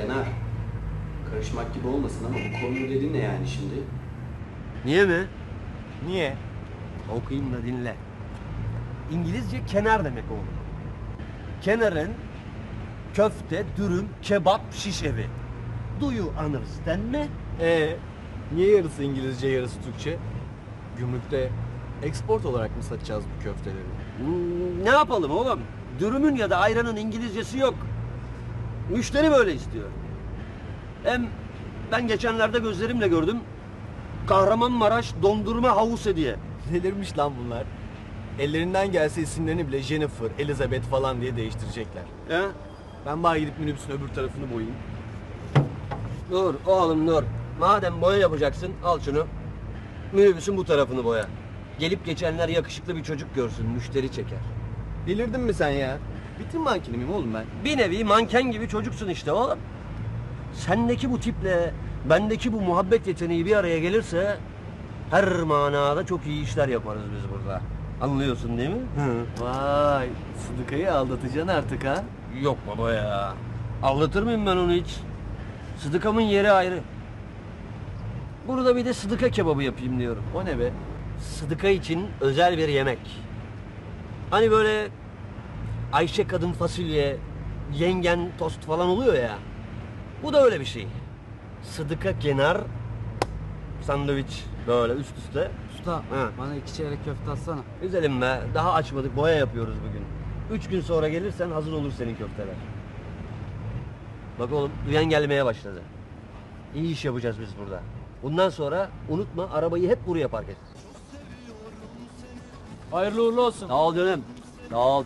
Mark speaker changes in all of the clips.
Speaker 1: Kenar. Karışmak gibi olmasın ama bu konu dediğin ne yani şimdi?
Speaker 2: Niye mi?
Speaker 3: Niye?
Speaker 2: Okuyayım da dinle. İngilizce kenar demek oğlum. Kenarın köfte, dürüm, kebap, şiş evi. Do you understand me?
Speaker 3: Niye yarısı İngilizce yarısı Türkçe? Gümrükte export olarak mı satacağız bu köfteleri?
Speaker 2: Ne yapalım oğlum? Dürümün ya da ayranın İngilizcesi yok. Müşteri böyle istiyor. Hem ben geçenlerde gözlerimle gördüm. Kahramanmaraş dondurma havuz hediye.
Speaker 3: Delirmiş lan bunlar. Ellerinden gelse isimlerini bile Jennifer, Elizabeth falan diye değiştirecekler.
Speaker 2: He?
Speaker 3: Ben bari gidip minibüsün öbür tarafını boyayayım.
Speaker 2: Dur oğlum dur. Madem boya yapacaksın al şunu. Minibüsün bu tarafını boya. Gelip geçenler yakışıklı bir çocuk görsün, müşteri çeker.
Speaker 3: Delirdin mi sen ya? Bitim mankeni miyim oğlum ben?
Speaker 2: Bir nevi manken gibi çocuksun işte oğlum. Sendeki bu tiple bendeki bu muhabbet yeteneği bir araya gelirse her manada çok iyi işler yaparız biz burada. Anlıyorsun değil mi?
Speaker 3: Vay, Sıdıka'yı aldatacaksın artık ha?
Speaker 2: Yok baba ya. Anlatır mıyım ben onu hiç? Sıdıkamın yeri ayrı. Burada bir de sıdıka kebabı yapayım diyorum.
Speaker 3: O ne be?
Speaker 2: Sıdıka için özel bir yemek. Hani böyle Ayşe kadın fasulye, yengen tost falan oluyor ya. Bu da öyle bir şey. Sıdıka kenar, sandviç böyle üst üste.
Speaker 4: Usta
Speaker 2: Ha.
Speaker 4: bana 2 çeyrek köfte atsana.
Speaker 2: Güzelim be. Daha açmadık. Boya yapıyoruz bugün. 3 gün sonra gelirsen hazır olur senin köfteler. Bak oğlum duyan gelmeye başladı. İyi iş yapacağız biz burada. Bundan sonra unutma arabayı hep buraya park et.
Speaker 4: Hayırlı uğurlu olsun.
Speaker 2: Sağ ol canım. Sağ ol.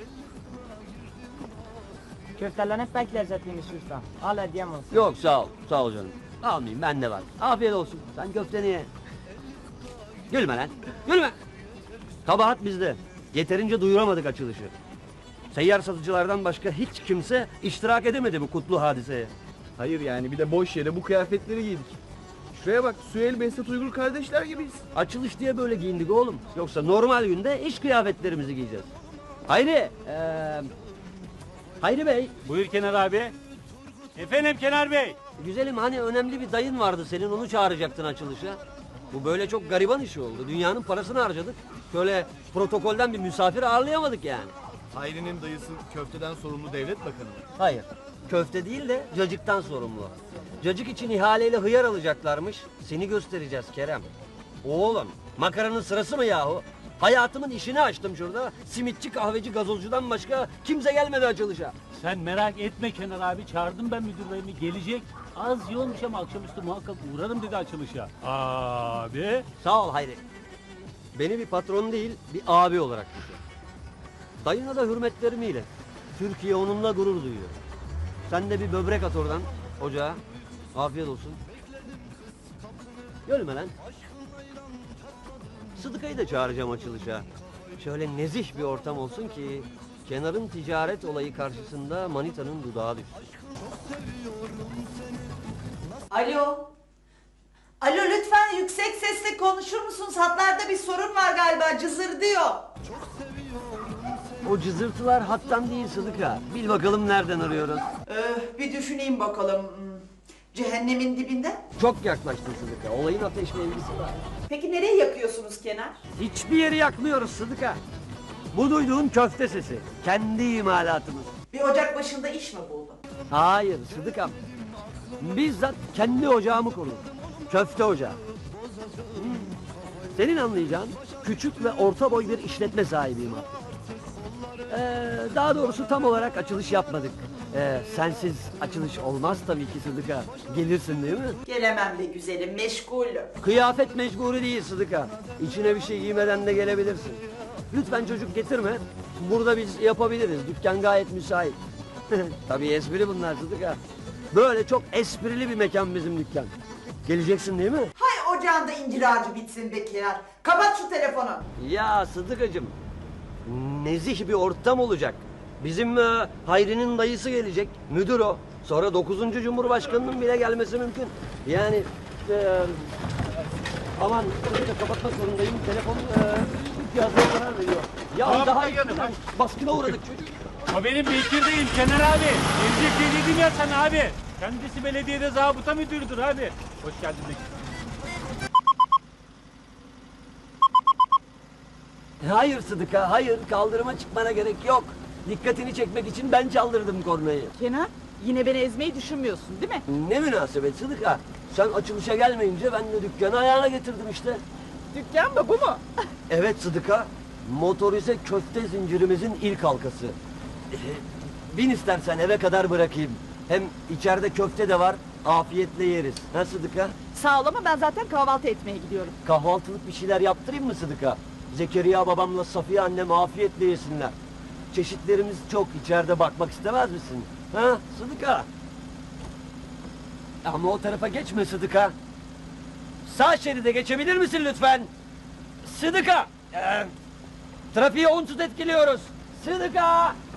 Speaker 5: Köfteler hep pek lezzetliymiş usta. Al hediyem olsun.
Speaker 2: Yok sağ ol. Sağ ol canım. Almayayım bende var. Afiyet olsun. Sen köfteni ye. Gülme lan. Gülme. Kabahat bizde. Yeterince duyuramadık açılışı. Seyyar satıcılardan başka hiç kimse iştirak edemedi bu kutlu hadiseye.
Speaker 3: Hayır yani bir de boş yere bu kıyafetleri giydik. Şuraya bak, Süheyl Behzat Uygur kardeşler gibiyiz.
Speaker 2: Açılış diye böyle giyindik oğlum. Yoksa normal günde iş kıyafetlerimizi giyeceğiz. Hayri. Hayri Bey.
Speaker 6: Buyur Kenar abi. Efendim Kenar Bey.
Speaker 2: Güzelim hani önemli bir dayın vardı senin onu çağıracaktın açılışa. Bu böyle çok gariban işi oldu. Dünyanın parasını harcadık. Şöyle protokolden bir misafir ağırlayamadık yani.
Speaker 3: Hayri'nin dayısı köfteden sorumlu devlet bakanı mı?
Speaker 2: Hayır. Köfte değil de cacıktan sorumlu. Cacık için ihaleyle hıyar alacaklarmış. Seni göstereceğiz Kerem. Oğlum makaranın sırası mı yahu? Hayatımın işini açtım şurada. Simitçi, kahveci, gazozcudan başka kimse gelmedi açılışa.
Speaker 6: Sen merak etme Kenar abi. Çağırdım ben müdürlerimi. Gelecek. Az yoğunmuş ama akşamüstü muhakkak uğrarım dedi açılışa. Abi.
Speaker 2: Sağ ol Hayri. Beni bir patron değil, bir abi olarak düşün. Dayına da hürmetlerimi ilet. Türkiye onunla gurur duyuyor. Sen de bir böbrek at oradan ocağa. Afiyet olsun. Gölme lan. Sıdıka'yı da çağıracağım açılışa. Şöyle nezih bir ortam olsun ki Kenar'ın ticaret olayı karşısında manitanın dudağı düşsün.
Speaker 7: Alo. Alo lütfen yüksek sesle konuşur musunuz? Hatlarda bir sorun var galiba cızırdıyor.
Speaker 2: O cızırtılar hattan değil Sıdıka. Bil bakalım nereden arıyoruz.
Speaker 7: Bir düşüneyim bakalım. Cehennemin dibinde.
Speaker 2: Çok yaklaştın Sıdıka. Olayın ateşle ilgisi var.
Speaker 7: Peki nereye yakıyorsunuz Kenar?
Speaker 2: Hiçbir yeri yakmıyoruz Sıdıka. Bu duyduğun köfte sesi. Kendi imalatımız.
Speaker 7: Bir ocak başında iş mi buldun?
Speaker 2: Hayır Sıdıkam. Bizzat kendi ocağımı kurdum. Köfte ocağı. Senin anlayacağın küçük ve orta boy bir işletme sahibiyim artık. Daha doğrusu tam olarak açılış yapmadık. Sensiz açılış olmaz tabii ki Sıdıka. Gelirsin değil mi?
Speaker 7: Gelemem be güzelim meşgulüm.
Speaker 2: Kıyafet mecburi değil Sıdıka. İçine bir şey giymeden de gelebilirsin. Lütfen çocuk getirme. Burada biz yapabiliriz. Dükkan gayet müsait. Tabii espri bunlar Sıdıka. Böyle çok esprili bir mekan bizim dükkan. Geleceksin değil mi?
Speaker 7: Hay ocağında incir ağacı bitsin be Kenar. Kapat şu telefonu.
Speaker 2: Ya Sıdıkacığım. Nezih bir ortam olacak. Bizim Hayri'nin dayısı gelecek. Müdür o. Sonra 9. Cumhurbaşkanının bile gelmesi mümkün. Yani aman Sıdıka kapatmak zorundayım. Telefon cihazına karar veriyor. Ya
Speaker 6: Tamam,
Speaker 2: daha
Speaker 6: ben geldim.
Speaker 2: baskına uğradık çocuk.
Speaker 6: O benim Bekir değil Kenar abi. Gelecek dediydim ya sana abi. Kendisi belediyede zabıta müdürüdür abi. Hoş geldin Bekir.
Speaker 2: Hayır Sıdıka, hayır. Kaldırıma çıkmana gerek yok. Dikkatini çekmek için ben çaldırdım kornayı.
Speaker 8: Kenan, yine beni ezmeyi düşünmüyorsun değil mi?
Speaker 2: Ne münasebet Sıdıka. Sen açılışa gelmeyince ben de dükkanı ayağına getirdim işte.
Speaker 8: Dükkan mı bu mu?
Speaker 2: Evet Sıdıka, motorize köfte zincirimizin ilk halkası. Bin istersen eve kadar bırakayım. Hem içeride köfte de var, afiyetle yeriz. Ha Sıdıka?
Speaker 8: Sağ ol ama ben zaten kahvaltı etmeye gidiyorum.
Speaker 2: Kahvaltılık bir şeyler yaptırayım mı Sıdıka? Zekeriya babamla Safiye annem afiyetle yesinler. Çeşitlerimiz çok, içeride bakmak istemez misin? Ha Sıdıka? Ama o tarafa geçme Sıdıka. Sağ şeride geçebilir misin lütfen? Sıdıka! Trafiği onsuz etkiliyoruz. Sıdıka!